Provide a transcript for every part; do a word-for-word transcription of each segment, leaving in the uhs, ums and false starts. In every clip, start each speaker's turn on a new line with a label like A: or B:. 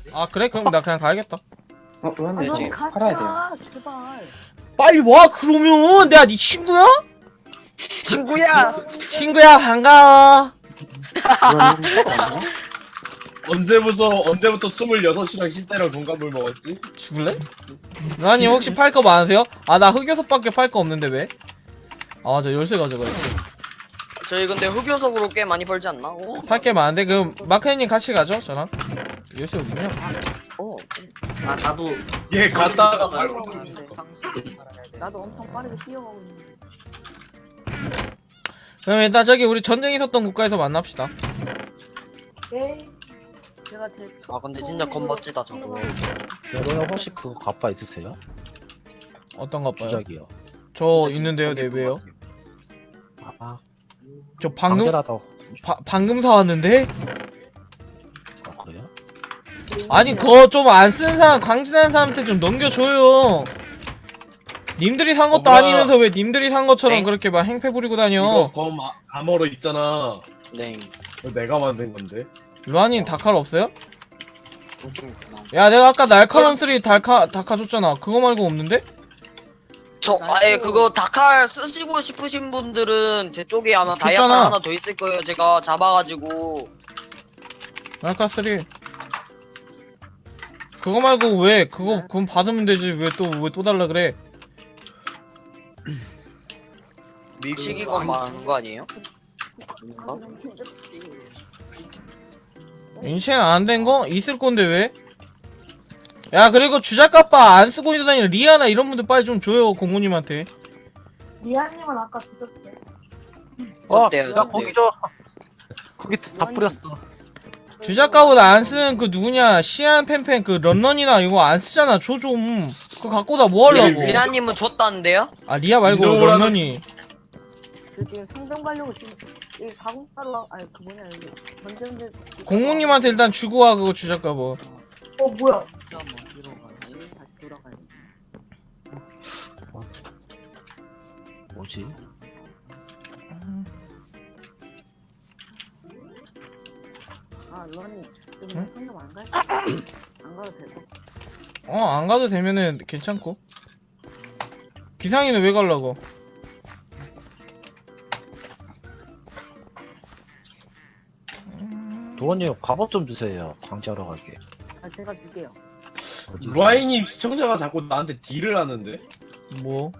A: 아 그래? 그럼 나 그냥 가야겠다.
B: 어, 왜
C: 아,
B: 네,
C: 넌
B: 지
C: 같이
B: 팔아야 돼요.
C: 가, 제발.
A: 빨리 와 그러면 내가 네 친구야?
D: 친구야.
A: 친구야 반가워.
B: 그러면 포가 없나?
E: 언제부터 언제부터 스물여섯이랑 십 대랑 동갑을 먹었지?
A: 죽을래? 루아님 혹시 팔 거 많으세요? 아 나 흑요석밖에 팔 거 없는데 왜? 아 저 열쇠 가져가요.
D: 저희 근데 흑요석으로 꽤 많이 벌지 않나? 오.
A: 팔 게 많은데 그럼 마크님 같이 가죠 저랑. 열쇠 어딨냐?
D: 오.
F: 아 나도
E: 얘 갔다가
F: 말
E: 말고
C: 고 나도 엄청 빠르게 뛰어가고 있는데.
A: 그럼 일단 저기 우리 전쟁 있었던 국가에서 만납시다.
C: 제가 제 초,
D: 아 근데 진짜 겁멋지다 저거.
C: 뛰어가고 있어요.
G: 여러분 혹시 그거 갑바 있으세요?
A: 어떤 거 봐요?
G: 주작이요.
A: 저 있는데요. 네 왜요?
G: 아
A: 저 방금
G: 강제라다.
A: 바, 방금 사왔는데?
G: 아 그래요?
A: 아니 그거 좀 안 쓴 사람 광진하는 사람한테 좀 넘겨줘요. 님들이 산 것도
E: 엄마.
A: 아니면서 왜 님들이 산 것처럼
D: 네?
A: 그렇게 막 행패 부리고
E: 이거
A: 다녀.
E: 검 아- 암호로 있잖아.
D: 네.
E: 이거 내가 만든 건데.
A: 루아님 다칼 없어요?
D: 좀 그냥.
A: 야 내가 아까 날카로운 쓰리 달카 다카 줬잖아. 그거 말고 없는데?
D: 저 아예 그거 다칼 쓰시고 싶으신 분들은 제 쪽에 아마 다이아칼
A: 줬잖아.
D: 하나 더 있을 거예요. 제가 잡아가지고.
A: 날카 쓰리. 그거 말고 왜 그거 그건 받으면 되지 왜 또 왜 또 달라 그래?
D: 밀치기건 말하는 거 아니에요?
C: 아, 너무 힘들었지.
A: 인챈 안 된 거 있을 건데 왜? 야 그리고 주작값바 안 쓰고 있는 다니는 리아나 이런 분들 빨리 좀 줘요 공무님한테.
H: 리아님은 아까 드렸대.
G: 어,
D: 어때요?
G: 나 고기 줘. 고기 다 뿌렸어.
A: 주작가보다 안 쓰는 그 누구냐 시안 팬팬 그 런런이나 이거 안 쓰잖아. 줘 좀. 그거 갖고 다 뭐 하려고?
D: 리아님은 줬다는데요?
A: 아 리아 말고
E: 인도라는-
A: 런런이.
C: 저 지금 성병 가려고 지금 이 사공가로 아니 그 뭐냐 이거 전쟁대.
A: 공무님한테 일단 주고 와 그거 주작가봐.
H: 어 뭐야?
C: 잠깐만 들어가네. 다시 돌아가야 돼.
G: 뭐지?
C: 아 루아님
A: 응?
C: 좀 성병 안 갈? 안 가도 되고.
A: 어 안 가도 되면은 괜찮고. 기상이는 왜 갈라고?
G: 도원님 갑옷 좀 주세요. 광지하러 갈게.
C: 아 제가 줄게요.
G: 어디 있어요?
E: 루아이님 시청자가 자꾸 나한테 딜을 하는데.
A: 뭐?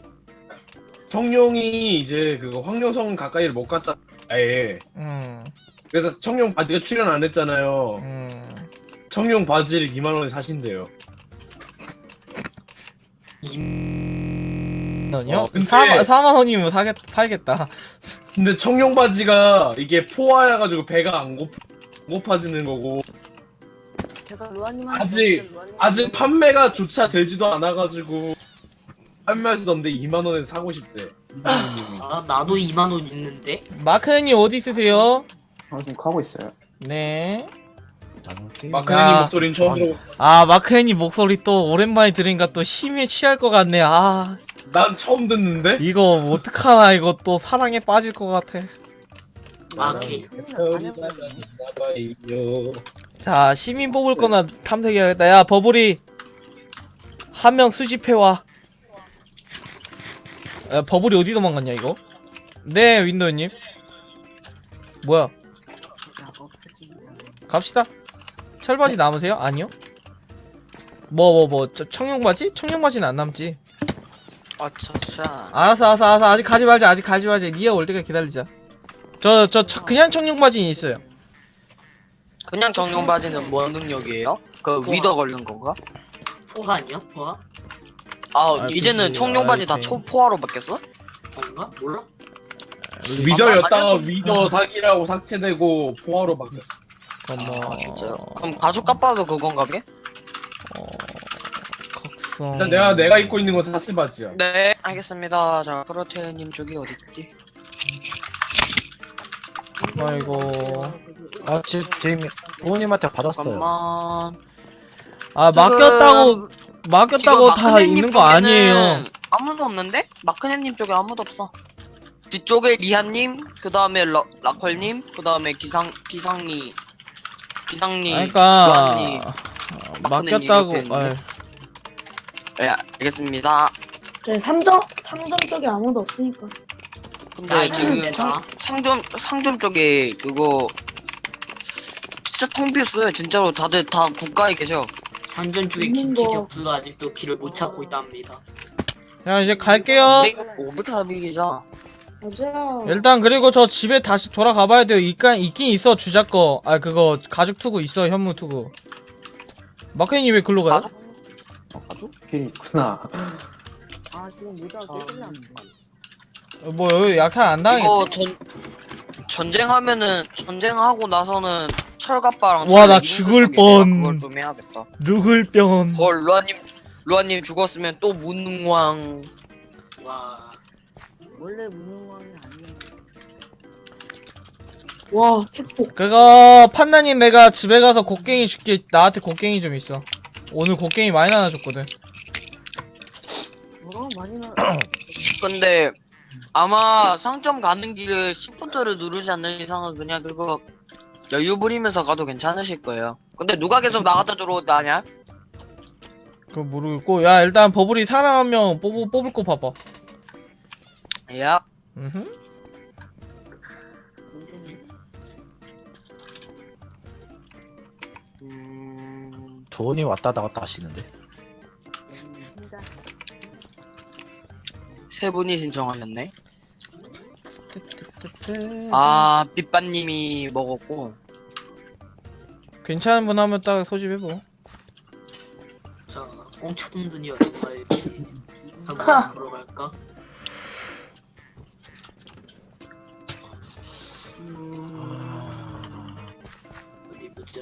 E: 청룡이 이제 그거 황룡성 가까이를 못 갔잖아. 아예.
A: 음.
E: 그래서 청룡 바지가 출연 안 했잖아요.
A: 음.
E: 청룡 바지를 이만 원에 사신대요.
A: 원이요?
E: 어, 근데-
A: 사만 사만 원이면 사겠 팔겠다.
E: 근데 청룡 바지가 이게 포화여가지고 배가 안 고파, 고파지는 거고
C: 제가 루아님한테
E: 아직-
C: 줬는데 루아님이
E: 아직
C: 너무-
E: 판매가 조차 되지도 않아가지고 판매할 수도 없는데 이만 원에 사고 싶대. 이분님이.
F: 아 나도 이만 원 있는데.
A: 마크님 어디 있으세요?
B: 아, 지금 가고 있어요.
A: 네.
G: 나눌게.
E: 마크님
A: 야.
E: 목소리는 처음 들어.
A: 아 마크님 목소리 또 오랜만에 들으니까 또 심해 취할 것 같네. 아
E: 난 처음 듣는데.
A: 이거 어떡하나 이거 또 사랑에 빠질 것 같아.
F: 아, 오케이.
C: 처음이나 다 해보네.
A: 자 시민 뽑을 거나 탐색해야겠다. 야 버블이 한 명 수집해와. 야 버블이 어디 도망갔냐 이거? 네 윈도우님. 뭐야?
C: 야, 없었습니다.
A: 갑시다. 철바지 남으세요? 아니요. 뭐 뭐 뭐 청룡바지? 청룡바지는 안 남지.
D: 아차차.
A: 알았어 알았어 알았어 아직 가지 말자 아직 가지 말자. 리아 올 때까지 기다리자. 저 저 그냥 청룡바지는 있어요.
D: 그냥 정령 바지는 뭐 능력이에요? 그 위더 걸린 건가?
F: 포화 아니야? 포화?
D: 아,
A: 아,
D: 이제는
A: 그치.
D: 청룡 바지 다
A: 아이템.
D: 초포화로 바뀌었어?
F: 아닌가? 몰라?
E: 위저였다가
D: 아니야.
E: 위저 사기라고 삭제되고 포화로 바뀌었어.
A: 어머.
D: 아 진짜요? 그럼 가죽 값봐도 그건가 게?
A: 어... 각성.
E: 일단 내가 내가 입고 있는 건 사슬 바지야.
D: 네 알겠습니다. 자 프로테님 쪽이 어딨지?
A: 아이고.
G: 아 지금 제이미 도원님한테 받았어요.
D: 잠깐만.
A: 아
D: 지금-
A: 맡겼다고 맡겼다고
D: 지금
A: 다
D: 마크네님
A: 있는 거
D: 쪽에는
A: 아니에요.
D: 아무도 없는데? 마크네님 쪽에 아무도 없어. 뒤쪽에 리한님, 그 다음에 라컬님, 그 다음에 기상 기상리, 기상리,
A: 그러니까
D: 요한님.
A: 어, 맡겼다고.
D: 이렇게
A: 아이,
D: 예, 알겠습니다.
H: 저희 삼점 삼점 쪽에 아무도 없으니까.
D: 근데
F: 야,
D: 지금
F: 이거
D: 상,
F: 내놔.
D: 상점 상점 쪽에 그거 진짜 텅 비었어요. 진짜로 다들 다 국가에 계셔.
F: 산전 쪽에
H: 있는
F: 김치
H: 거.
F: 격수가 아직도 길을 못 찾고 있답니다.
A: 야 이제 갈게요.
D: 오백사백이자.
H: 맞아요.
A: 일단 그리고 저 집에 다시 돌아가 봐야 돼요. 있간 있긴 있어 주작 거. 아 그거 가죽 투구 있어 현무 투구. 마크님 왜 글로 가요?
D: 가죽?
B: 어, 가죽? 길이 있구나.
C: 아 지금 모자 깨질라.
A: 어, 뭐 여기 약탈 안 당했지?
D: 이거 전 전쟁하면은 전쟁하고 나서는 철갑바랑
A: 와, 나
D: 철
A: 죽을
D: 이런 거 쪽에
A: 뻔.
D: 그걸 좀 해야겠다.
A: 누굴 뿅.
D: 헐 루아님 루아님 죽었으면 또 무능왕.
F: 와,
C: 원래 무능왕이 아니야.
H: 와 팩폭.
A: 그거 판단님 내가 집에 가서 곡괭이 줄게. 나한테 곡괭이 좀 있어. 오늘 곡괭이 많이 나눠줬거든.
C: 뭐 많이 나.
D: 근데 아마 상점 가는 길에 시프트를 누르지 않는 이상은 그냥 그거 여유 부리면서 가도 괜찮으실 거예요. 근데 누가 계속 나갔다 들어오다 하냐?
A: 그거 모르겠고 야 일단 버블이 사람 한 명 뽑을, 뽑을 거 봐봐.
D: 야,
A: 음흠.
D: 음...
G: 돈이 왔다 나갔다 하시는데.
C: 혼자.
D: 세 분이 신청하셨네. 아, 빗반님이 먹었고.
A: 괜찮은 분 하면 딱 소집해보.
F: 자, 꽁쳐돈들이 얼마 일지 한번 보러 갈까?
D: 음...
F: 어디 보자.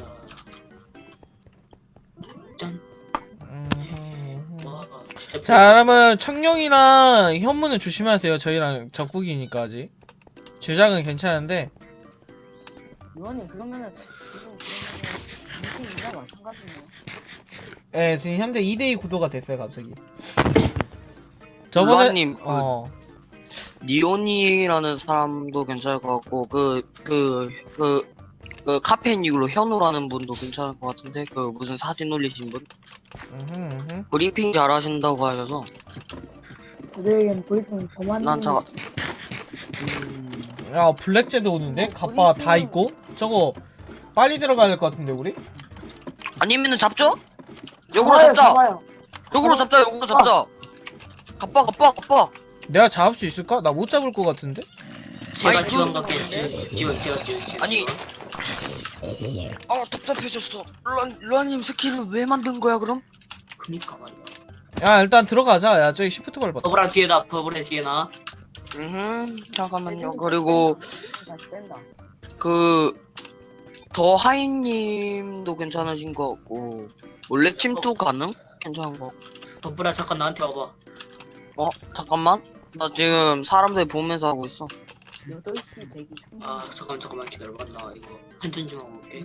F: 짠.
A: 음흠.
F: 와, 진짜.
A: 자 그러면 청룡이랑 현무는 조심하세요. 저희랑 적국이니까 아직. 주작은 괜찮은데
C: 유언님 그러면은 지금 그러면은 인생이랑 마찬가지네요.
A: 예 지금 현재 이 대 이 구도가 됐어요 갑자기. 저번에
D: 루아님, 그
A: 어
D: 니온이라는 사람도 괜찮을 것 같고, 그, 그, 그, 그 카페인 이후로 현우라는 분도 괜찮을 것 같은데, 그 무슨 사진 올리신 분?
A: 음흠, 음흠.
D: 브리핑 잘 하신다고 하셔서,
H: 저희에겐 브리핑 더 많이.
D: 난 자,
H: 했는데.
D: 음,
A: 야 블랙제도 오는데 갑바 다 있고 저거 빨리 들어가야 될 것 같은데 우리?
D: 아니면은 잡죠? 역으로
H: 잡아요,
D: 잡자!
H: 잡아요.
D: 역으로 잡자, 역으로 잡자! 갑바, 갑바, 갑바!
A: 내가 잡을 수 있을까? 나 못 잡을 것 같은데?
F: 제가
D: 아니,
F: 지원
D: 그-
F: 갈게요. 지원, 지원, 제가 지원. 제가
D: 아니,
F: 지원.
D: 아, 답답해졌어. 루안, 루안님 스킬을 왜 만든 거야, 그럼?
F: 그니까 말이야.
A: 야 일단 들어가자. 야 저기 시프트 밟았다.
F: 버블아 뒤에 나, 버블의 뒤에 나.
D: 음, 잠깐만요. 그리고,
C: 다시 뺀다.
D: 그, 더 하이님도 괜찮으신 것 같고, 원래 침투 가능? 괜찮은 것 같고.
F: 버블아 잠깐 나한테 와봐.
D: 어? 잠깐만. 나 지금 사람들 보면서 하고 있어.
C: 여덟 시 대기 중.
F: 아 잠깐 잠깐만 기다려봐. 나 이거 한전 좀 하고 올게.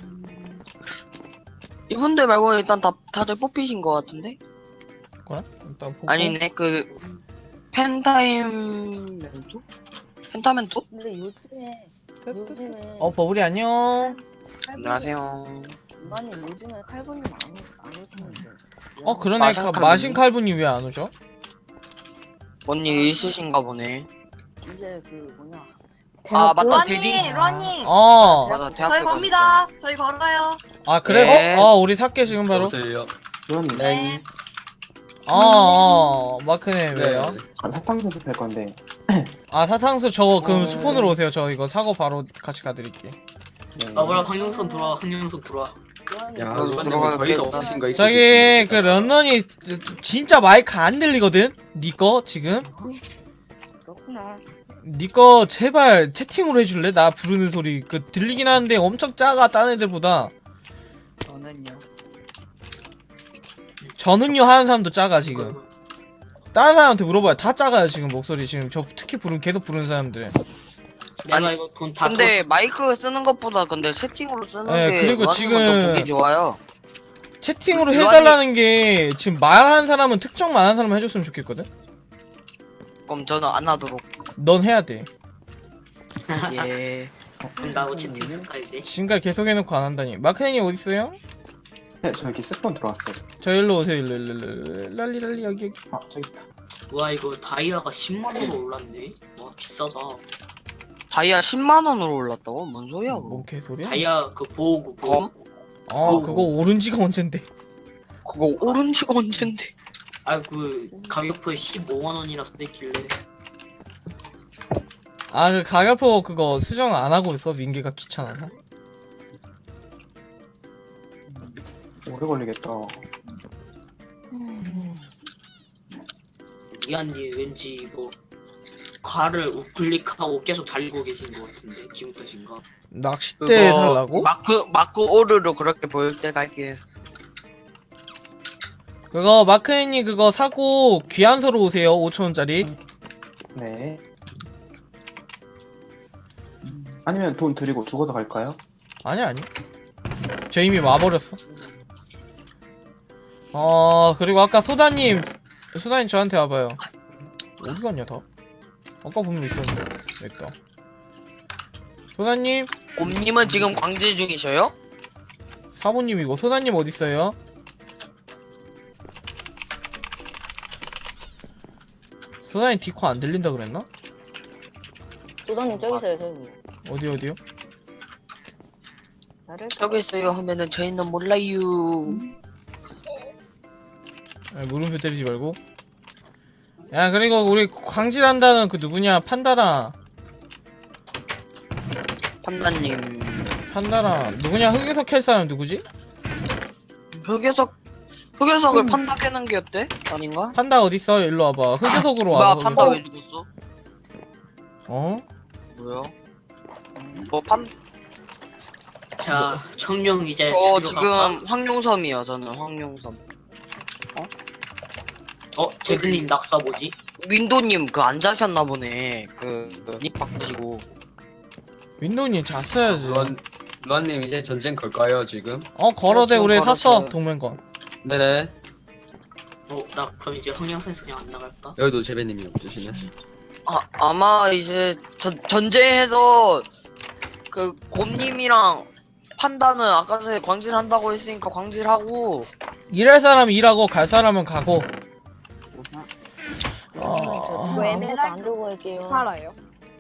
D: 이분들 말고 일단 다, 다들 뽑히신 것 같은데?
A: 그래? 일단 보고.
D: 아니네, 그, 펜타임 멘토? 펜타멘토?
C: 근데 요즘에 요즘에
A: 어 버블이 안녕.
D: 안녕하세요.
C: 인간이 요즘에 칼군님 안, 오- 안 오시는데.
A: 어 그러네.
D: 마신
A: 가-
D: 칼분이?
A: 마신 칼분이 왜 안 오죠?
D: 뭔 일 있으신가 보네.
C: 이제 그 뭐냐.
D: 아, 맞다.
H: 대학교?
D: 대리.
I: 루아님, 루아님.
A: 어.
D: 맞아, 대학교
I: 저희 겁니다. 저희 걸어요.
A: 아 그래?
D: 네.
A: 어? 어 우리 살게 지금 바로.
B: 그럼
I: 네.
A: 어, 어 마크네 왜요?
B: 안 사탕 수습할 건데.
A: 아 사탕수 저거 그럼
D: 어.
A: 스폰으로 오세요. 저 이거 사고 바로 같이 가드릴게.
B: 네.
F: 버블아 황영선 들어와. 황영선 들어와.
C: 야,
D: 그 들어갈게.
A: 저기 그 런런이 진짜 마이크 안 들리거든? 니꺼 지금?
C: 그렇구나.
A: 니꺼 제발 채팅으로 해줄래? 나 부르는 소리 그 들리긴 하는데 엄청 작아 다른 애들보다.
C: 저는요.
A: 저는요 하는 사람도 작아 지금. 다른 사람한테 물어봐요. 다 작아요 지금 목소리 지금 저 특히 부르는 계속 부르는 사람들.
F: 내가
D: 아니,
F: 이거 돈다
D: 근데 마이크 쓰는 것보다 근데 채팅으로 쓰는
A: 네,
D: 게
A: 그리고
D: 루아님은
A: 지금-
D: 더 보기 좋아요.
A: 채팅으로
D: 루아님-
A: 해달라는 게 지금 말하는 사람은 특정 말하는 사람 해줬으면 좋겠거든?
D: 그럼 저는 안 하도록.
A: 넌 해야 돼.
D: 예.
F: 그럼 나뭐 채팅 쓸까 이제?
A: 지금까지 계속 해놓고 안 한다니. 마크nen이 어딨어요?
B: 네, 저기 스폰 들어왔어요.
A: 저 일로 오세요. 일로 일로 일로. 랄리 랄리 여기 여기.
B: 아, 저기 있다.
F: 와 이거 다이아가 십만 원으로 올랐네. 와 비싸다.
D: 다이아 십만 원으로 올랐다고? 뭔 소리야 그거?
A: 뭔 개소리야?
F: 다이아 그 보호구
D: 검?
A: 아 그거 오른 지가 언젠데.
D: 그거 오른 지가 언젠데.
F: 아그 가격표에 십오만 원이라 써있길래.
A: 아 그 가격표 그거 수정 안 하고 있어. 민기가 귀찮아서.
B: 오래 걸리겠다.
F: 이한님 왠지 이거 과를 우클릭하고 계속 달리고 계신 것 같은데 기분 탓인가?
A: 낚싯대 살라고?
D: 마크 마크 오르로 그렇게 보일 때가 있긴 했어.
A: 그거 마크님 그거 사고 귀한서로 오세요. 오천 원짜리.
B: 네. 아니면 돈 드리고 죽어서 갈까요?
A: 아니 아니. 저 이미 와버렸어. 어 그리고 아까 소다님 소다님 저한테 와봐요. 어디 갔냐 다? 아까 분명 있었는데. 됐다. 소다님
D: 곰님은 지금 광질 중이셔요?
A: 사모님이고 소다님 어디 있어요? 소다님 디코 안 들린다 그랬나?
C: 소장님 저기 있어요 저기.
A: 어디 어디요?
C: 나를
D: 저기 있어요 하면은 저희는 몰라요.
A: 아, 물음표 때리지 말고. 야 그리고 우리 광질한다는 그 누구냐 판다라
D: 판다님
A: 판다라 누구냐 흑유석 캘 사람 누구지?
D: 흑여석 흑여석을 판다 깨는 게 어때? 아닌가?
A: 판다 어딨어? 일로 와봐. 흑유석으로
D: 뭐야
A: 와봐.
D: 판다 왜 죽었어?
A: 어?
D: 뭐야? 뭐 판?
F: 자 청룡 이제
D: 저
F: 집으로 갈까?
D: 지금 황룡섬이요. 저는 황룡섬.
F: 어 제드님 낙사 뭐지?
D: 윈도님 그 안 자셨나 보네. 그닉 바꾸시고.
A: 윈도우님 잤어야지.
J: 루안, 루안님 이제 전쟁 걸까요 지금?
A: 어 걸어대
D: 어,
A: 우리
D: 지금
A: 샀어
D: 걸었어요.
A: 동맹권.
J: 네네.
F: 어나 그럼 이제 황영선에서 그냥 안 나갈까?
J: 여기도 재배님이 없으시네.
D: 아 아마 이제 전 전제해서 그 곰님이랑 판다는 아까 전에 광질한다고 했으니까 광질하고.
A: 일할 사람은 일하고 갈 사람은 가고.
C: 저 이거 에메랄드 안 들고 갈게요.
H: 팔아요?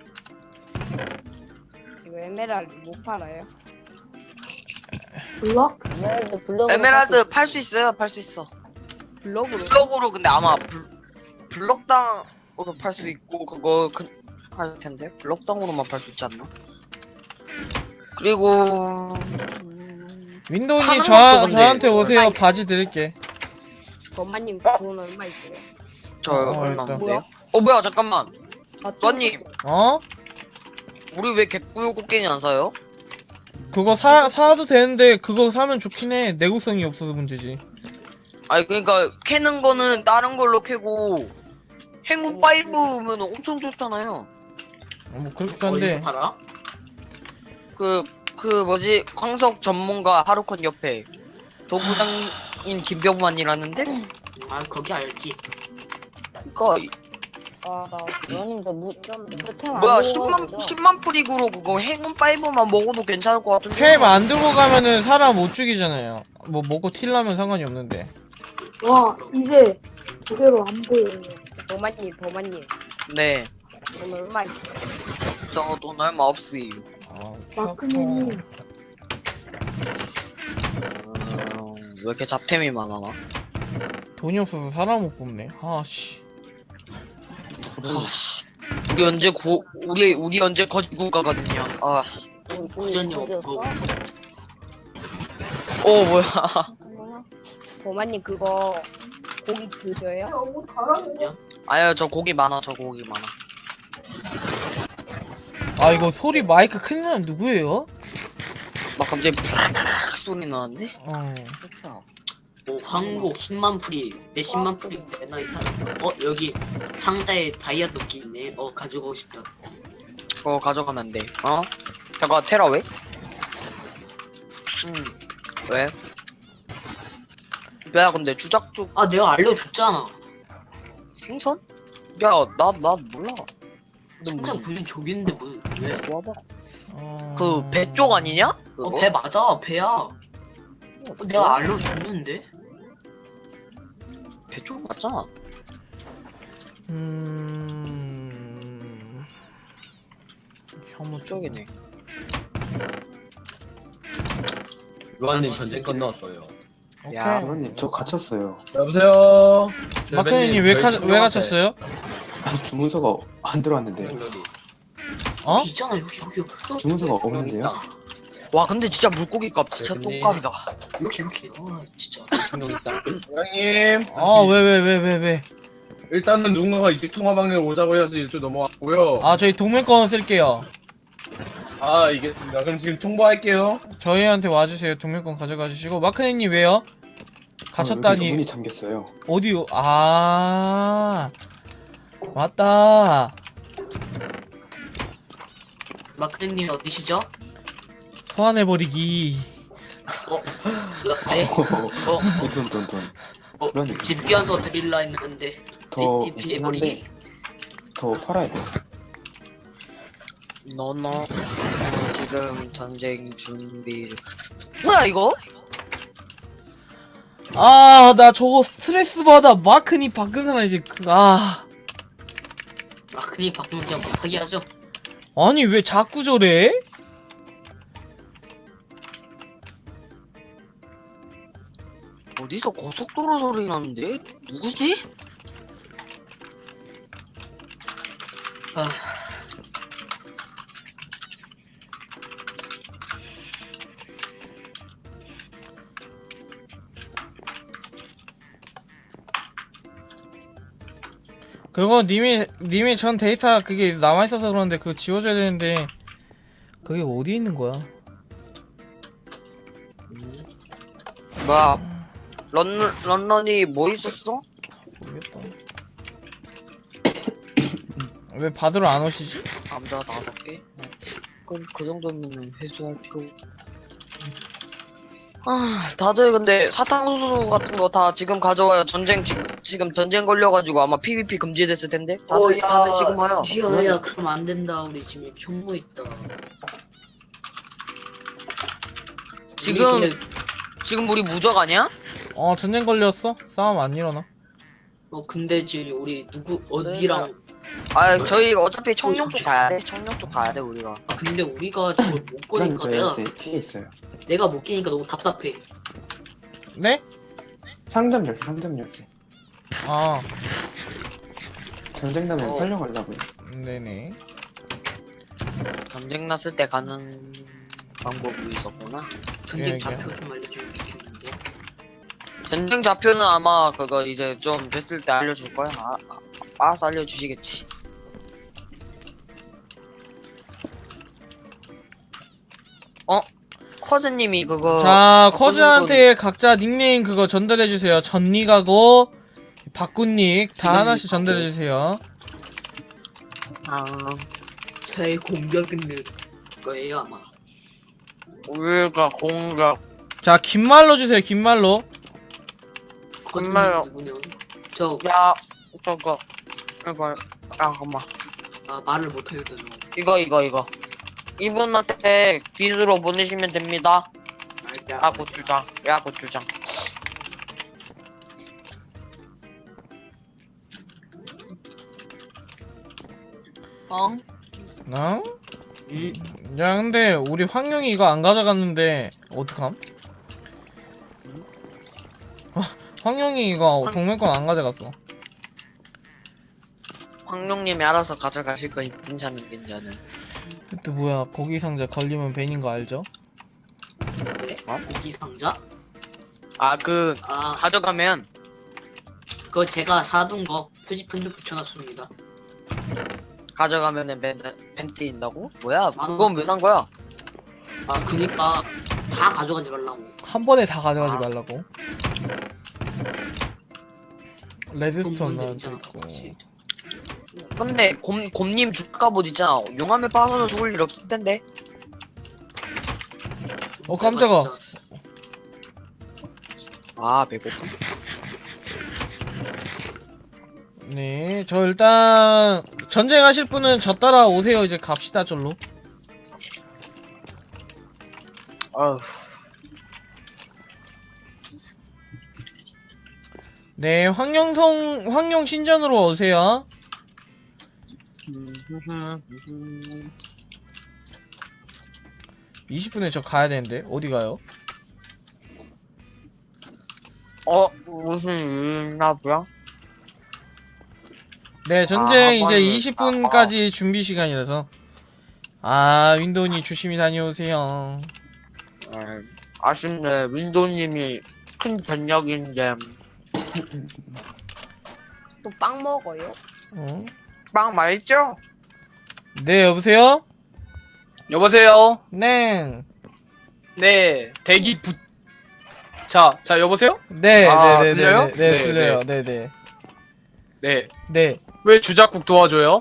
H: 이거 에메랄드 못 팔아요? 블럭?
C: 에메랄드 블럭.
D: 에메랄드 팔 수 있어요. 팔 수 있어.
H: 블럭으로?
D: 블럭으로 근데 아마 블, 블럭당으로 팔 수 있고 그거 그, 할 텐데 블럭당으로만 팔 수 있지 않나? 그리고
A: 윈도우님
D: 파는
A: 저,
D: 것도 근데
A: 저한테 오세요.
H: 얼마
A: 바지 드릴게.
H: 범마님
D: 어?
H: 돈 얼마 있어요?
D: 저
A: 어,
D: 얼마인데요?
H: 뭐야?
D: 어 뭐야 잠깐만
H: 아,
D: 루안님
A: 어?
D: 우리 왜 개꾸유 꽃게니 안 사요?
A: 그거 사, 사도 되는데 그거 사면 좋긴 해. 내구성이 없어서 문제지.
D: 아니 그러니까 캐는 거는 다른 걸로 캐고 행운 파이브면 엄청 좋잖아요.
A: 어, 뭐 그렇긴
F: 어디서
A: 한데.
F: 팔아?
D: 그 그 뭐지 광석 전문가 하루콘 옆에 도구장인 김병만이라는데
F: 아 거기 알지.
D: 그니까
C: 아나 누님 저 무, 무템
D: 뭐야 십만 십만 프릭으로 그거 행운 파이브만 먹어도 괜찮을 것 같은데.
A: 템 안 들고 가면은 사람 못 죽이잖아요. 뭐 먹고 틸라면 상관이 없는데.
H: 와 이제 제대로 안 보여요. 범마님 범마님
D: 네,
H: 돈 얼마 있어요?
D: 저 돈 얼마 없어요.
A: 아,
H: 마크님
D: 음, 왜 이렇게 잡템이 많아 나?
A: 돈이 없어서 사람 못 뽑네. 아씨.
D: 아씨, 우리 언제 고 우리 우리 언제 거지국가거든요. 아,
F: 구전님 없고
D: 어 뭐야?
H: 범마님 그거 고기 드셔요?
D: 아유 저 고기 많아, 저 고기 많아.
A: 아 이거 소리 마이크 큰 사람 누구예요?
D: 막 갑자기 푸르르 소리 나는데?
A: 어.
F: 뭐 황복 십만 풀이 몇십만 풀이 내나 이 사람. 어 여기 상자에 다이아 도끼 있네. 어 가져가고 싶다.
D: 그거 가져가면 돼. 어? 잠깐 테라 왜? 음 왜? 야 근데 주작죽
F: 아 내가 알려줬잖아.
D: 생선? 야 나 나 몰라. 너
F: 상자
D: 무슨
F: 분명 저기 있는데 뭐 왜?
D: 와봐.
A: 어...
D: 그 배 쪽 아니냐? 그거?
F: 어 배 맞아 배야. 어, 내가 알려줬는데?
D: 배쪽 맞잖아.
A: 음... 혐오
D: 쪽이네.
J: 루안님 전쟁 건너왔어요.
A: 오케이.
D: 야,
B: 루안님 저 갇혔어요.
E: 여보세요.
A: 마크님 왜, 가, 왜 갇혔어요?
B: 아니 주문서가 안 들어왔는데요.
A: 어?
F: 여기 있잖아 여기 여기 여기
B: 주문서가 없는데요.
D: 와 근데 진짜 물고기 값 진짜
J: 대표님.
D: 똥값이다.
F: 여기 여기 아 진짜
J: 중동 있다.
E: 사장님.
A: 아 왜 왜 왜 왜 왜?
E: 일단은 누군가가 이쪽 통화방에 오자고 해서 이쪽 넘어왔고요.
A: 아 저희 동맹권 쓸게요.
E: 아, 알겠습니다. 그럼 지금 통보할게요.
A: 저희한테 와주세요. 동맹권 가져가 주시고. 마크님 왜요?
B: 아, 여기
A: 갇혔다니.
B: 문이 잠겼어요.
A: 어디요? 아 맞다.
F: 마크님 어디시죠?
A: 소환해버리기.
F: 어? 네? 어?
B: 돈 돈 돈.
F: 어?
B: 루안님
F: 집기한서 드릴라 했는데
B: 더
F: 티티
B: 있긴 한데
F: 피해버리기
B: 더 팔아야 돼요.
D: 너너 지금 전쟁 준비. 뭐야 이거?
A: 아 나 저거 스트레스 받아. 마크니 바꾼 사람 이제 그, 아
F: 마크님 바꾸면 그냥 못하게 하죠.
A: 아니 왜 자꾸 저래?
D: 어디서 고속도로 소리 나는데? 누구지?
F: 아,
A: 그거 님이 님이 전 데이터 그게 남아 있어서 그러는데 그거 지워줘야 되는데 그게 어디 있는 거야?
D: 뭐야? 런 런런이 뭐 있었어?
A: 모르겠다. 왜 받으러 안 오시지?
D: 남자 다섯 개? 그럼 그 정도면 회수할 필요. 아, 다들 근데 사탕수수 같은 거 다 지금 가져와요. 전쟁 지, 지금 전쟁 걸려가지고 아마 피브이피 금지됐을 텐데. 다들,
F: 어, 야,
D: 다들 지금 와요.
F: 야야 그럼 안 된다. 우리 지금 경고 있다.
D: 지금
F: 우리 근데,
D: 지금 우리 무적 아니야?
A: 어 전쟁 걸렸어? 싸움 안 일어나?
F: 어 근데 지금 우리 누구 어디랑
D: 아, 저희 어차피 청룡
F: 어,
D: 쪽 가야 돼. 청룡 쪽 가야 돼 우리가.
F: 아 근데 우리가 저걸 못
B: 루안님
F: 거니까
B: 저
F: 내가
B: 열쇠 피해 있어요.
F: 내가 못 끼니까 너무 답답해.
A: 네?
B: 상점 열쇠 상점 열쇠.
A: 아
B: 전쟁 나면
D: 어.
B: 팔려가려고요.
A: 네네.
D: 전쟁 났을 때 가는 방법이 있었구나.
F: 전쟁
A: 예,
F: 좌표 좀 알려주면 좋겠는데.
D: 전쟁 좌표는 아마 그거 이제 좀 됐을 때 알려줄 거야. 아, 아, 알아서 알려주시겠지. 어? 커즈님이 그거
A: 자
D: 바꾸신
A: 커즈한테 각자 닉네임 그거 전달해주세요. 전닉하고 박군닉 다
D: 지금
A: 하나씩
D: 하고.
A: 전달해주세요.
D: 분- 아,
F: 저의 공격은 늘 거예요 아마.
D: 우리가 공격
A: 자 긴말로 주세요. 긴말로.
F: 거짓말
D: 정말요.
F: 누구냐? 저
D: 야 저거 이거 아 잠깐만
F: 아, 말을 못하겠다 저.
D: 이거 이거 이거 이분한테 빚으로 보내시면 됩니다.
F: 알게.
D: 야 고추장 야 고추장. 어?
A: 어?
F: 음,
A: 야 근데 우리 황룡이 이거 안 가져갔는데 어떡함? 어, 황룡이 이거 동맹권 안 가져갔어.
D: 황룡님이 알아서 가져가실 거니 괜찮은 괜찮은.
A: 그때 뭐야 고기 상자 걸리면 벤인 거 알죠?
F: 네? 고기 상자?
D: 아 그
F: 아,
D: 가져가면
F: 그거 제가 사둔 거 표지판 좀 붙여놨습니다.
D: 가져가면은 벤, 벤 띄인다고? 뭐야?
F: 만 원.
D: 그건 왜 산 거야?
F: 아, 그니까 다 가져가지 말라고.
A: 한 번에 다 가져가지
F: 아.
A: 말라고. 레드스톤
F: 그런 문제
A: 나한테
F: 있잖아,
A: 있고.
F: 같이.
D: 근데 곰, 곰님 죽갑옷 있잖아. 용암에 빠져서 죽을 일 없을 텐데.
A: 어 깜짝아.
F: 진짜
D: 아 배고파.
A: 네, 저 일단 전쟁하실 분은 저 따라 오세요. 이제 갑시다 절로.
D: 아휴.
A: 네, 황룡성 황룡 신전으로 오세요. 이십 분에 저 가야 되는데 어디 가요?
D: 어 무슨 일 있나 보야?
A: 네, 전쟁
D: 아,
A: 이제
D: 학원을-
A: 이십 분까지 준비 시간이라서. 아, 윈도우님 조심히 다녀오세요.
D: 에, 아쉽네. 윈도우님이 큰 전력인데
C: 또 빵 먹어요?
A: 어?
D: 빵 맛있죠?
A: 네, 여보세요?
E: 여보세요?
A: 네.
E: 네, 대기 부... 자, 자, 여보세요?
A: 네,
E: 아,
A: 네, 네,
E: 들려요?
A: 네, 네,
E: 네,
A: 들려요. 네, 네.
E: 네.
A: 네.
E: 왜 주작국 도와줘요?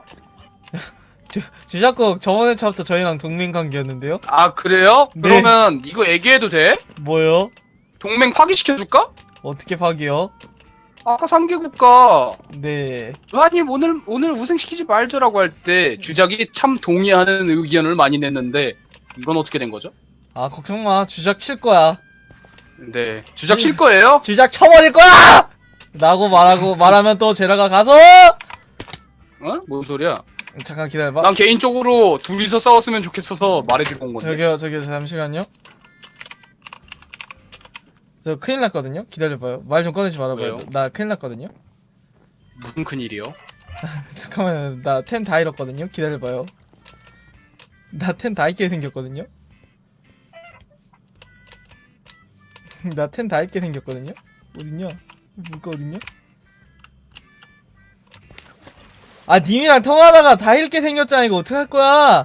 A: 주작국 저번에 처음부터 저희랑 동맹 관계였는데요?
E: 아, 그래요?
A: 네.
E: 그러면 이거 얘기해도 돼?
A: 뭐요?
E: 동맹 파기시켜줄까?
A: 어떻게 파기요?
E: 아까 삼 개 국가
A: 네.
E: 루아님 오늘 오늘 우승시키지 말자라고 할 때 주작이 참 동의하는 의견을 많이 냈는데 이건 어떻게 된 거죠?
A: 아, 걱정 마. 주작 칠 거야.
E: 네, 주작 칠 거예요?
A: 주작 쳐버릴 거야! 라고 말하고, 말하면 또 제라가 가서!
E: 어? 뭔 소리야?
A: 잠깐 기다려봐.
E: 난 개인적으로 둘이서 싸웠으면 좋겠어서 말해주고 온 건데.
A: 저기요, 저기요, 잠시만요. 저 큰일 났거든요? 기다려봐요. 말 좀 꺼내지 말아봐요.
E: 왜요?
A: 나 큰일 났거든요?
E: 무슨 큰일이요?
A: 잠깐만요. 나 텐 다 잃었거든요? 기다려봐요. 나 텐 다 잃게 생겼거든요? 나 텐 다 잃게 생겼거든요? 어딨냐? 뭐가 어딨냐? 아, 님이랑 통화하다가 다 잃게 생겼잖아. 이거 어떡할 거야?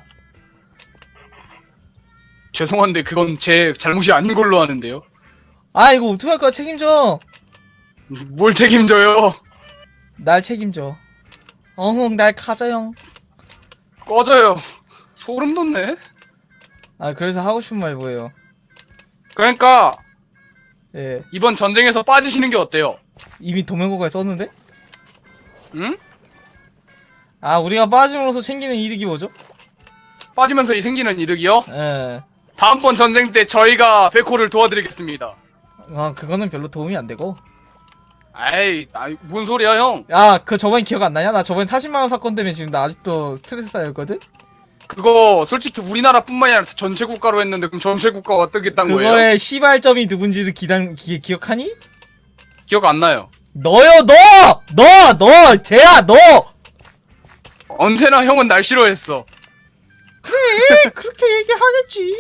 E: 죄송한데 그건 제 잘못이 아닌 걸로 아는데요.
A: 아, 이거 어떡할 거야? 책임져.
E: 뭘 책임져요?
A: 날 책임져. 어흥, 날 가져요.
E: 꺼져요. 소름 돋네.
A: 아, 그래서 하고 싶은 말 뭐예요?
E: 그러니까
A: 예.
E: 이번 전쟁에서 빠지시는 게 어때요?
A: 이미 동맹국가에 썼는데?
E: 응?
A: 아, 우리가 빠짐으로써 챙기는 이득이 뭐죠?
E: 빠지면서 이 생기는 이득이요?
A: 예.
E: 다음번 전쟁 때 저희가 백호를 도와드리겠습니다.
A: 아, 그거는 별로 도움이 안 되고.
E: 아이, 아이 뭔 소리야 형?
A: 야, 그 저번에 기억 안 나냐? 나 저번에 사십만 원 사건 때문에 지금 나 아직도 스트레스 쌓였거든?
E: 그거 솔직히 우리나라뿐만이 아니라 전체 국가로 했는데 그럼 전체 국가가 어떻게 딴 거예요?
A: 그거의 시발점이 누군지도 기단, 기, 기억하니?
E: 기억 안 나요.
A: 너요, 너! 너! 너! 쟤야, 너!
E: 언제나 형은 날 싫어했어.
A: 그래, 그렇게 얘기하겠지.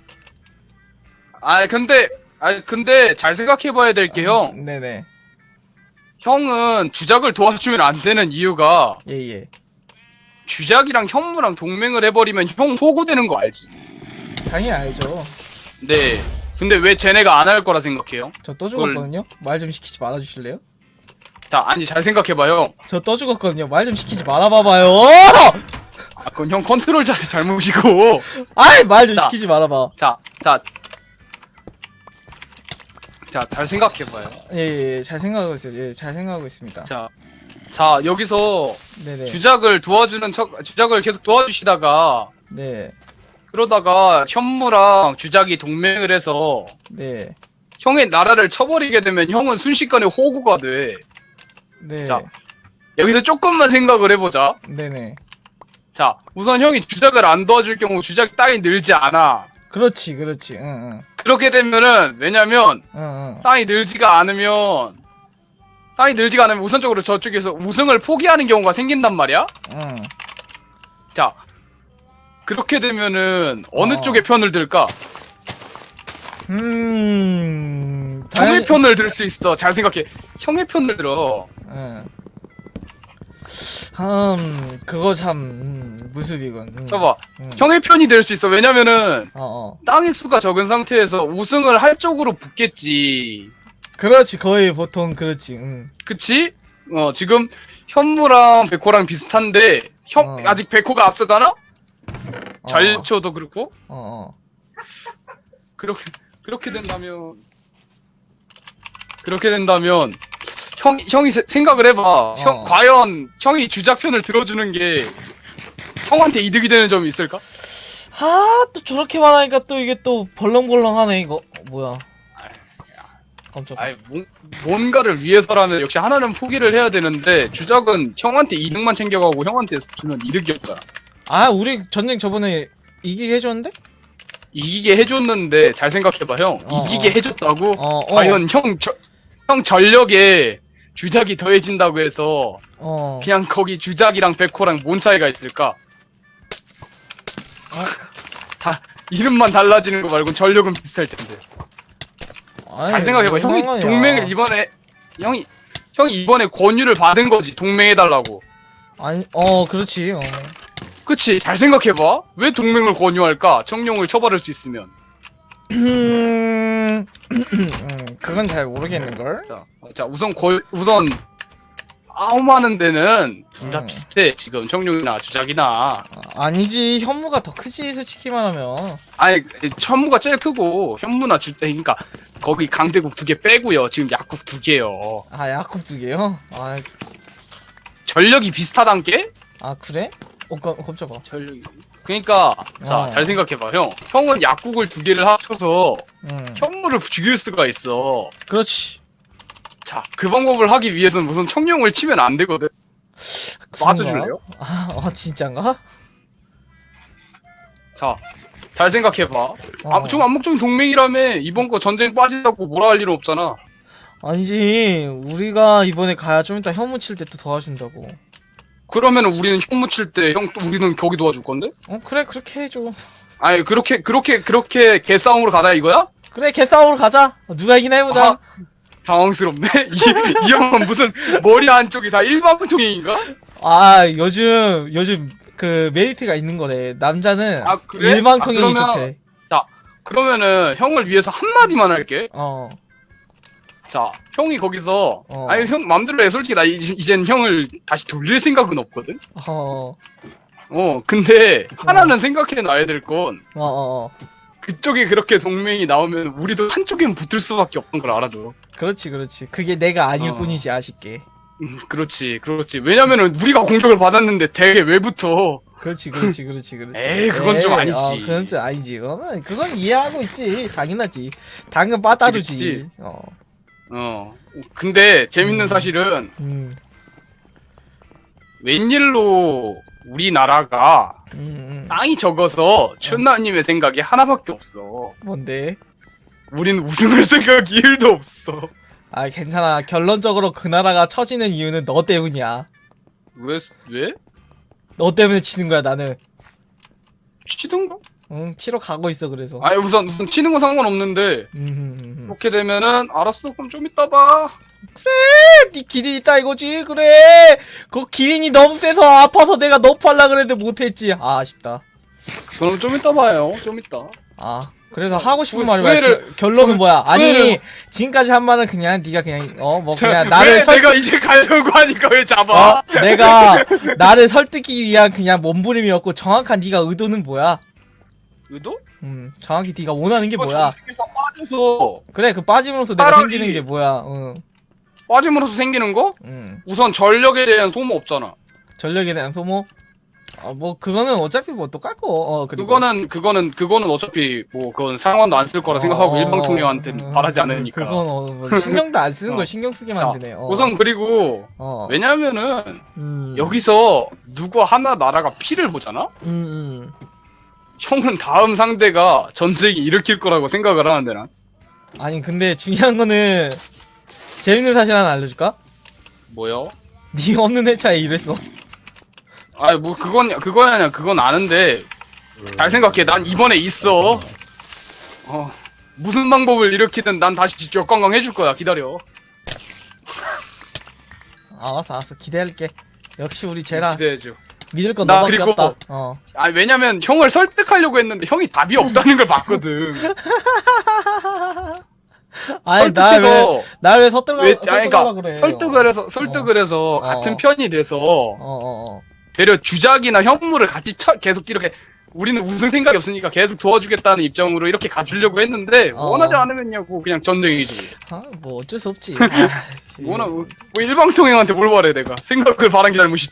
E: 아 근데 아 근데 잘 생각해봐야 될 게 형.
A: 네네.
E: 형은 주작을 도와주면 안 되는 이유가
A: 예, 예.
E: 주작이랑 현무랑 동맹을 해버리면 형 호구되는 거 알지?
A: 당연히 알죠.
E: 네. 근데 왜 쟤네가 안 할 거라 생각해요?
A: 저 또 죽었거든요? 말 좀 시키지 말아주실래요?
E: 자, 아니 잘 생각해봐요.
A: 저 또 죽었거든요. 말 좀 시키지 말아봐봐요.
E: 아, 그건 형 컨트롤 잘 잘못이고.
A: 아이, 말 좀
E: 자.
A: 시키지 말아봐.
E: 자, 자, 자, 잘 생각해봐요.
A: 예, 예, 예, 잘 생각하고 있어요. 예, 잘 생각하고 있습니다.
E: 자, 자 여기서
A: 네네.
E: 주작을 도와주는 척, 주작을 계속 도와주시다가
A: 네,
E: 그러다가 현무랑 주작이 동맹을 해서
A: 네,
E: 형의 나라를 쳐버리게 되면 형은 순식간에 호구가 돼.
A: 네.
E: 자. 여기서 조금만 생각을 해보자.
A: 네네.
E: 자, 우선 형이 주작을 안 도와줄 경우 주작 땅이 늘지 않아.
A: 그렇지, 그렇지. 응, 응,
E: 그렇게 되면은 왜냐면
A: 응, 응.
E: 땅이 늘지가 않으면 땅이 늘지가 않으면 우선적으로 저쪽에서 우승을 포기하는 경우가 생긴단 말이야.
A: 응.
E: 자, 그렇게 되면은 어느
A: 어.
E: 쪽의 편을 들까?
A: 음.
E: 형의
A: 당연히-
E: 편을 들 수 있어. 잘 생각해. 형의 편을 들어.
A: 응. 음, 그거 참 음, 무습이군. 음.
E: 봐봐.
A: 음.
E: 형의 편이 될 수 있어. 왜냐면은
A: 어, 어.
E: 땅의 수가 적은 상태에서 우승을 할 쪽으로 붙겠지.
A: 그렇지, 거의 보통 그렇지. 응.
E: 그치? 어, 지금 현무랑 백호랑 비슷한데 형
A: 어.
E: 아직 백호가 앞서잖아?
A: 어,
E: 절초도 그렇고.
A: 어, 어.
E: 그렇게 그렇게 된다면 그렇게 된다면 형 형이 세- 생각을 해봐. 형
A: 어.
E: 과연 형이 주작편을 들어주는 게 형한테 이득이 되는 점이 있을까?
A: 아, 또 저렇게 말하니까 또 이게 또 벌렁벌렁하네, 이거. 어, 뭐야. 깜짝이야.
E: 아이 뭔, 뭔가를 위해서라면 역시 하나는 포기를 해야 되는데 주작은 형한테 이득만 챙겨가고 형한테 주면 이득이 없잖아.
A: 아 우리 전쟁 저번에 이기게 해줬는데?
E: 이기게 해줬는데 잘 생각해봐 형.
A: 어,
E: 이기게
A: 어.
E: 해줬다고?
A: 어, 어.
E: 과연 형, 저, 형 전력에 주작이 더해진다고 해서
A: 어.
E: 그냥 거기 주작이랑 백호랑 뭔 차이가 있을까? 다 이름만 달라지는 거 말고 전력은 비슷할 텐데.
A: 아니,
E: 잘 생각해봐.
A: 뭔
E: 형이
A: 상관이야.
E: 동맹을 이번에 형이 형이 이번에 권유를 받은 거지. 동맹해달라고.
A: 아니 어 그렇지. 어.
E: 그치? 잘 생각해봐. 왜 동맹을 권유할까? 청룡을 쳐버릴 수 있으면.
A: 음, 그건 잘 모르겠는걸?
E: 자, 자 우선 거, 우선 아움하는 데는 둘 다
A: 음.
E: 비슷해. 지금 청룡이나 주작이나.
A: 아, 아니지 현무가 더 크지 솔직히 말하면.
E: 아니 천무가 제일 크고 현무나 주 그러니까 거기 강대국 두 개 빼고요. 지금 약국 두 개요.
A: 아 야곱 두 개요? 아,
E: 전력이 비슷하단 게?
A: 아 그래? 어 깜, 깜짝아.
E: 전력이. 그러니까 자
A: 어.
E: 잘 생각해봐 형. 형은 약국을 두 개를 합쳐서
A: 응.
E: 현무를 죽일 수가 있어.
A: 그렇지.
E: 자, 그 방법을 하기 위해서는 우선 청룡을 치면 안 되거든. 맞아줄래요?
A: 아, 어 진짠가?
E: 자, 잘 생각해봐.
A: 어.
E: 아, 좀 암묵적인 동맹이라며. 이번 거 전쟁 빠진다고 뭐라 할 일은 없잖아.
A: 아니지 우리가 이번에 가야 좀 이따 현무 칠 때 또 도와준다고.
E: 그러면 우리는 현무 칠 때 형 또 우리는 거기 도와줄 건데?
A: 어 그래 그렇게 해줘.
E: 아니 그렇게 그렇게 그렇게 개싸움으로 가자 이거야?
A: 그래 개싸움으로 가자. 어, 누가 이기나 해보자.
E: 아, 당황스럽네. 이, 이 형은 무슨 머리 한쪽이 다 일반 통행인가?
A: 아 요즘 요즘 그 메리트가 있는 거래. 남자는
E: 아, 그래?
A: 일반
E: 아,
A: 통행이
E: 그러면-
A: 좋대.
E: 그러면은 형을 위해서 한마디만 할게.
A: 어.
E: 자, 형이 거기서
A: 어.
E: 아니 형 맘대로 해. 솔직히 나 이- 이젠 형을 다시 돌릴 생각은 없거든.
A: 어.
E: 어, 근데 하나는 생각해 놔야 될 건
A: 어. 어. 어.
E: 그쪽에 그렇게 동맹이 나오면 우리도 한쪽엔 붙을 수밖에 없는 걸 알아도.
A: 그렇지 그렇지. 그게 내가 아닐
E: 어.
A: 뿐이지 아쉽게.
E: 음, 그렇지, 그렇지. 왜냐면은 우리가 공격을 받았는데 되게 왜부터.
A: 그렇지 그렇지 그렇지 그렇지.
E: 에이, 그건 좀 아니지.
A: 어, 그건 좀 아니지. 어, 그건 이해하고 있지. 당연하지. 당연 빠따르지.
E: 그치.
A: 어.
E: 어. 근데 재밌는
A: 음.
E: 사실은
A: 음.
E: 웬일로 우리나라가
A: 음. 음.
E: 땅이 적어서 춘나님의 생각이 하나밖에 없어.
A: 뭔데?
E: 우린 우승할 생각이 일도 없어.
A: 아 괜찮아. 결론적으로 그 나라가 처지는 이유는 너 때문이야.
E: 왜? 왜?
A: 너 때문에 치는 거야 나는.
E: 치든가?
A: 응 치러 가고 있어 그래서.
E: 아니 우선 우선 치는 건 상관없는데
A: 음, 음, 음.
E: 그렇게 되면은 알았어 그럼 좀 이따 봐.
A: 네 기린 있다 이거지. 그래. 그 기린이 너무 세서 아파서 내가 너프하려 그랬는데 못했지. 아 아쉽다.
E: 그럼 좀 이따 봐요. 좀 이따.
A: 아 그래서 하고 싶은
E: 후-
A: 말이 뭐야?
E: 후회를-
A: 겨- 결론은 뭐야? 아니
E: 후회를-
A: 지금까지 한 말은 그냥 네가 그냥 어 뭐
E: 저,
A: 그냥
E: 왜
A: 나를 설
E: 내가 이제 가려고 하니까 왜 잡아?
A: 어? 내가 나를 설득이 위한 그냥 몸부림이었고 정확한 네가 의도는 뭐야?
E: 의도?
A: 음 정확히 네가 원하는 게
E: 이거
A: 뭐야?
E: 전쟁에서 빠져서
A: 그래 그 빠짐으로써 내가
E: 차라리-
A: 생기는 게 뭐야? 응.
E: 빠짐으로써 생기는 거?
A: 응.
E: 우선 전력에 대한 소모 없잖아.
A: 전력에 대한 소모? 어 뭐 그거는 어차피 뭐 똑같고 어 그리고
E: 그거는 그거는 그거는 어차피 뭐 그건 상관도 안 쓸 거라 생각하고
A: 어,
E: 일방통행한테는
A: 음,
E: 바라지 않으니까.
A: 그건 어, 뭐 신경도 안 쓰는
E: 어.
A: 걸 신경 쓰게
E: 자,
A: 만드네. 어.
E: 우선 그리고
A: 어.
E: 왜냐면은
A: 음.
E: 여기서 누구 하나 나라가 피를 보잖아?
A: 음, 음.
E: 형은 다음 상대가 전쟁이 일으킬 거라고 생각을 하는데 난.
A: 아니 근데 중요한 거는 재밌는 사실 하나 알려줄까?
E: 뭐요?
A: 네 없는 회차에 이랬어.
E: 아니 뭐 그건 그건 아니야. 그건 아는데 잘 생각해. 난 이번에 있어. 어 무슨 방법을 일으키든 난 다시 역관광 해줄 거야. 기다려.
A: 알았어 알았어 기대할게. 역시 우리 제라
E: 기대해줘.
A: 믿을 건
E: 나
A: 너밖에
E: 그리고-
A: 없다. 어.
E: 아 왜냐면 형을 설득하려고 했는데 형이 답이 없다는 걸 봤거든.
A: 아니 날 왜
E: 설득해서
A: 날 왜 설득하
E: 왜
A: 설득하려
E: 아니 그러니까
A: 그래?
E: 설득을 해서 설득을 해서
A: 어.
E: 같은 편이 돼서
A: 어어 어.
E: 되려 주작이나 현무를 같이 쳐, 계속 이렇게 우리는 우승 생각이 없으니까 계속 도와주겠다는 입장으로 이렇게 가주려고 했는데
A: 어.
E: 원하지 않으면냐고 그냥 전쟁이지.
A: 아뭐 어쩔 수 없지. 아,
E: 원하 뭐 일방통행한테 뭘 바래 내가 생각을 바란 게 잘못이지.